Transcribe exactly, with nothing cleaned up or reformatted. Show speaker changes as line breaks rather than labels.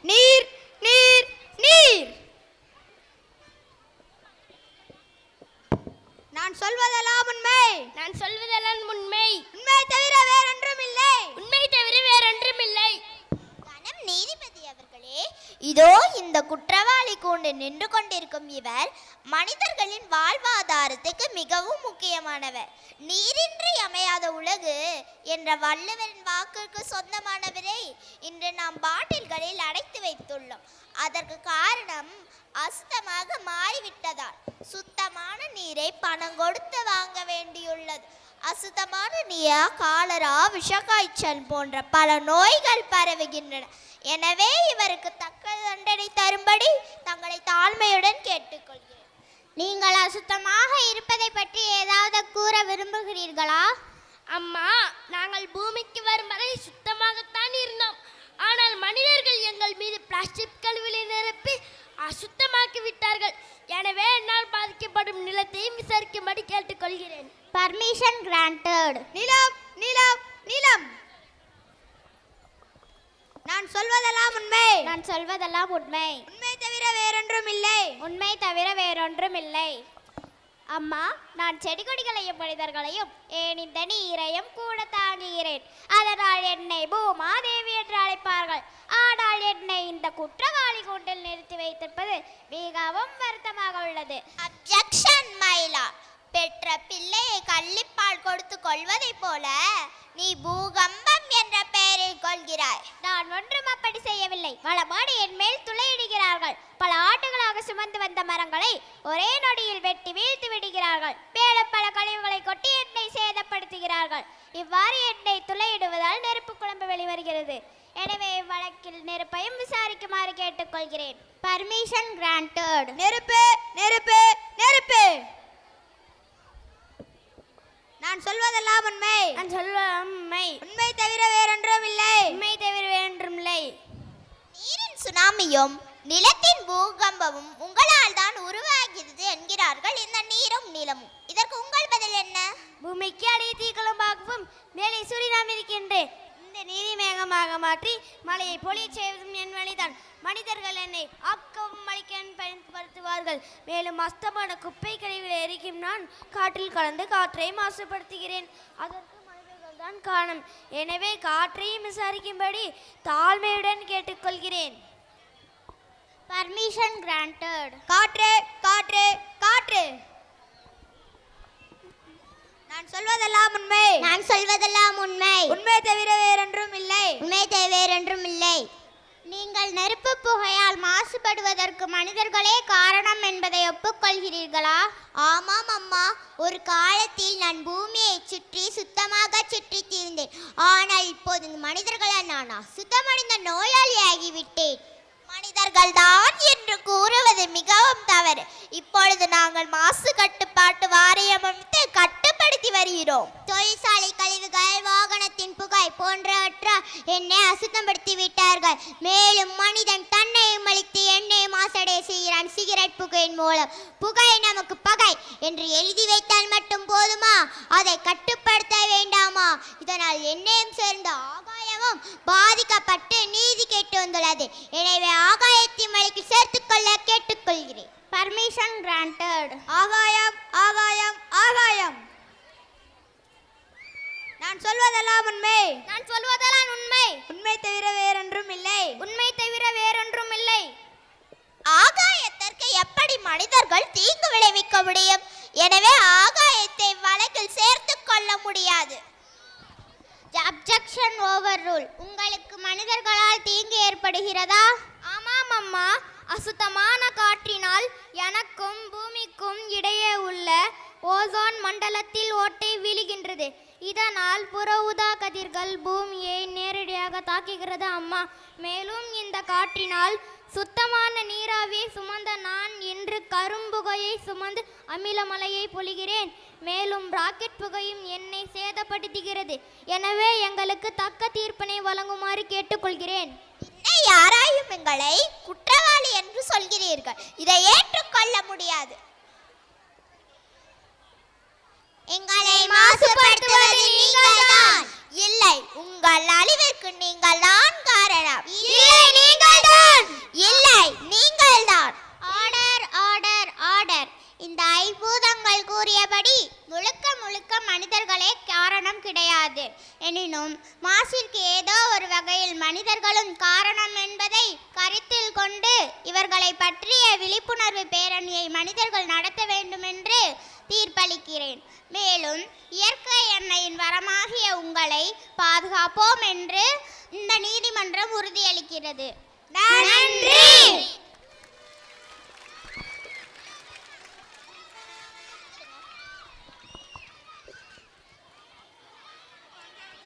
நீர் நீர் நீர். நான் சொல்வதெல்லாம் உண்மை.
நான் சொல்வதெல்லாம் உண்மை.
உண்மை தவிர வேறொன்றும் இல்லை.
உண்மை தவிர வேறொன்றும் இல்லை.
கணம் நீதிபதி அவர்களே, இதோ இந்த குற்றவாளி கூண்டு நின்று கொண்டிருக்கும் இவர் மனிதர்களின் வாழ்வாதாரத்துக்கு மிகவும் முக்கியமானவர். நீரின்றி அமையாத உலகு என்ற வள்ளுவரின் வாக்குக்கு சொந்தமானவரை இன்று நாம் பாட்டில்களில் அடைத்து வைத்துள்ளோம். அதற்கு காரணம் அசுத்தமாக மாறிவிட்டதால் சுத்தமான நீரை பணம் கொடுத்து வாங்க வேண்டியுள்ளது. அசுத்தமான நீரா காலரா, விஷக்காய்ச்சல் போன்ற பல நோய்கள் பரவுகின்றன. எனவே இவருக்கு தக்க தண்டனை தரும்படி தங்களை தாழ்மையுடன் கேட்டுக்கொள்கிறேன்.
நீங்கள் அசுத்தமாக இருப்பதை பற்றி ஏதாவது கூற விரும்புகிறீர்களா?
அம்மா, நாங்கள் பூமிக்கு வரும் வரை சுத்தமாகத்தான் இருந்தோம். ஆனால் மனிதர்கள் எங்கள் மீது பிளாஸ்டிக் கழிவுகளை நிரப்பி அசுத்தமாக்கி விட்டார்கள். எனவே என்னால் பாதிக்கப்படும் நிலத்தையும் விசாரிக்கும்படி கேட்டுக்கொள்கிறேன்.
Permission granted.
நிலம் நிலம் நிலம். நான் சொல்வதெல்லாம் உண்மை.
நான் சொல்வதெல்லாம் உண்மை.
உண்மை தவிர வேறொன்றும் இல்லை.
உண்மை தவிர வேறொன்றும் இல்லை. அம்மா, நான் செடி கொடிகளையும் மனிதர்களையும் ஏன் இந்த நீரையும் கூட தாங்குகிறேன். அதனால் என்னை பூமாதேவி என்று அழைப்பார்கள். ஆனால் என்னை இந்த குற்றவாளி கூண்டில் நிறுத்தி வைத்திருப்பது மிகவும் வருத்தமாக உள்ளது.
Objection my lord. பெற்ற பிள்ளையை கள்ளிப்பால் கொடுத்து கொள்வதை போல நீ பூகம்பம் என்ற பெயரை கொள்கிறாய்.
நான் ஒன்றும் அப்படி செய்யவில்லை. வளமாடி என் மேல் துளையிடுகிறார்கள். பல ஆண்டுகளாக சுமந்து வந்த மரங்களை ஒரே நொடியில் வெட்டி வீழ்த்து விடுகிறார்கள். மேலும் பல கழிவுகளை கொட்டி என்னை சேதப்படுத்துகிறார்கள். இவ்வாறு என்னை துளையிடுவதால் நெருப்பு குழம்பு வெளிவருகிறது. எனவே வழக்கில் நெருப்பையும் விசாரிக்குமாறு கேட்டுக்கொள்கிறேன். Permission granted.
நெருப்பு நெருப்பு நெருப்பு. நான் சொல்வதெல்லாம் உண்மை.
நான் சொல்வதெல்லாம் உண்மை.
உண்மை தவிர வேறொன்றும் இல்லை.
உண்மை தவிர வேறொன்றும் இல்லை.
நீரின் சுனாமியும் நிலத்தின் பூகம்பமும் உங்களால் தான் உருவாகிறது என்கிறார்கள் இந்த நீரும் நிலமும். இதற்கு உங்கள் பதில் என்ன?
பூமிக்கு அடியே தீக்குழம்பாகவும் மேலே சூரியனாம் இருக்கின்றேன். இந்த நீரை மேகமாக மாற்றி மழையை பொழிய செய்வதும் என் வழிதான். மனிதர்கள் என்னை ஆக்கவும் அழிக்கவும் பயன்படுத்துவார்கள். மேலும் அஸ்தமான குப்பை கழிவுகளை எரிக்கும் நான் காற்றில் கலந்து காற்றை மாசுபடுத்துகிறேன். அதற்கு மனிதர்கள் தான் காரணம். எனவே காற்றையும் விசாரிக்கும்படி தாழ்மையுடன் கேட்டுக்கொள்கிறேன். Permission granted.
காற்று காற்று காற்று. நான் சொல்வதெல்லாம் உண்மை.
நான் சொல்வதெல்லாம் உண்மை.
உண்மை தவிர வேறொன்றும் இல்லை.
உண்மை தவிர வேறொன்றும் இல்லை. நீங்கள் நெருப்பு புகையால் மாசுபடுவதற்கு மனிதர்களே காரணம் என்பதை ஒப்புக்கொள்கிறீர்களா?
ஆமாம் அம்மா, ஒரு காலத்தில் நான் பூமியை சுற்றி சுத்தமாக சுற்றி தீர்ந்தேன். ஆனால் இப்போது மனிதர்களால் நான் அசுத்தமடைந்த நோயாளியாகிவிட்டேன். மனிதர்கள் தான் என்று கூறுவது மிகவும் தவறு. இப்பொழுது நாங்கள் மாசு கட்டுப்பாட்டு வாரியம் அமைத்து கட்டுப்படுத்தி வருகிறோம். தொழிற்சாலை கழிவுகள், வாகனத்தின் புகை போன்றவற்றால் என்னை அசுத்தப்படுத்தி விட்டார்கள். மேலும் மனிதன் தன்னையும் அழித்து எண்ணெய் மாசடைய செய்கிறான் சிகரெட் புகையின் மூலம். புகை நமக்கு பகை என்று எழுதி வைத்தால் மட்டும் போதுமா? அதை கட்டுப்படுத்த வேண்டாமா? இதனால் எண்ணெயும் சேர்ந்த ஆகாயமும் பாதிக்கப்பட்டு நீதி கேட்டு வந்துள்ளது. எனவே ஆகாயத்தை மலைக்கு சேர்த்துக்கொள்ள கேட்டுக்கொள்கிறேன்.
Permission granted.
ஆகாயம் ஆகாயம் ஆகாயம். நான் சொல்வதெல்லாம் உண்மை.
நான் சொல்வதெல்லாம் உண்மை.
உண்மை தவிர வேறொன்றும் இல்லை.
உண்மை தவிர வேறொன்றும் இல்லை.
ஆகாயத்திற்கு எப்படி மனிதர்கள் தீங்கு விளைவிக்க முடியும்? எனவே ஆகாயத்தை வழக்கில் சேர்த்து கொள்ள முடியாது.
Objection overruled. உங்களுக்கு மனிதர்களால் தீங்கு ஏற்படுகிறதா? ஆமாம் அம்மா. அசுத்தமான காற்றினால் எனக்கும் பூமிக்கும் இடையே உள்ள ஓசோன் மண்டலத்தில் ஓட்டை விழுகின்றது. இதனால் புற ஊதா கதிர்கள் பூமியை நேரடியாக தாக்குகிறது அம்மா. மேலும் இந்த காற்றினால் சுத்தமான நீராவியை சுமந்த நான் இன்று கரும்புகையை சுமந்து அமிலமலையை பொழிகிறேன். மேலும் ராக்கெட் புகையும் என்னை சேதப்படுத்துகிறது. எனவே எங்களுக்கு தக்க தீர்ப்பினை வழங்குமாறு கேட்டுக்கொள்கிறேன்.
யாராயும் எங்களை குற்றவாளி என்று சொல்கிறீர்கள். இதை ஏற்றுக்கொள்ள முடியாது. எங்களை மாசுபடுத்துவது நீங்கள்தான். இல்லை, உங்கள் அழிவிற்கு நீங்கள் தான் காரணம். இல்லை, நீங்கள்தான். கூறியபடி முழுக்க முழுக்க மனிதர்களே காரணம் கிடையாது. எனினும் மாசிற்கு ஏதோ ஒரு வகையில் மனிதர்களும் காரணம் என்பதை கருத்தில் கொண்டு இவர்களை பற்றிய விழிப்புணர்வு பேரணியை மனிதர்கள் நடத்த வேண்டும் என்று தீர்ப்பளிக்கிறேன். மேலும் இயற்கை எண்ணெயின் வரமாகிய உங்களை பாதுகாப்போம் என்று இந்த நீதிமன்றம் உறுதியளிக்கிறது. நன்றி.